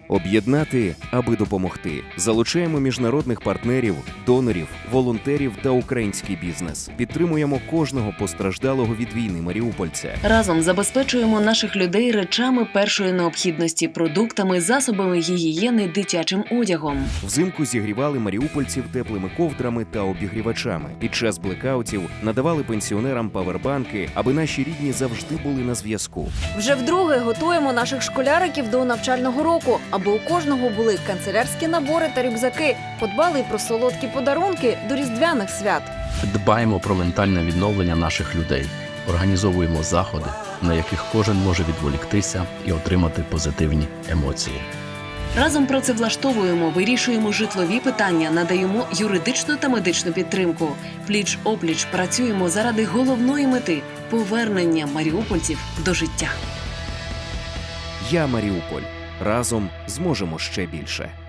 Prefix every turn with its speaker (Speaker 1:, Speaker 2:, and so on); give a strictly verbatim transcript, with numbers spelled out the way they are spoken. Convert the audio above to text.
Speaker 1: Об'єднати, аби допомогти. Залучаємо міжнародних партнерів, донорів, волонтерів та український бізнес. Підтримуємо кожного постраждалого від війни маріупольця.
Speaker 2: Разом забезпечуємо наших людей речами першої необхідності, продуктами, засобами гігієни, дитячим одягом.
Speaker 1: Взимку зігрівали маріупольців теплими ковдрами та обігрівачами. Під час блекаутів надавали пенсіонерам павербанки, аби наші рідні завжди були на зв'язку.
Speaker 3: Вже вдруге готуємо наших школяриків до навчального року, аби у кожного були канцелярські набори та рюкзаки. Подбали й про солодкі подарунки до різдвяних свят.
Speaker 4: Дбаємо про ментальне відновлення наших людей. Організовуємо заходи, на яких кожен може відволіктися і отримати позитивні емоції.
Speaker 2: Разом працевлаштовуємо, вирішуємо житлові питання, надаємо юридичну та медичну підтримку. Пліч-опліч працюємо заради головної мети – повернення маріупольців до життя.
Speaker 1: Я Маріуполь. Разом зможемо ще більше.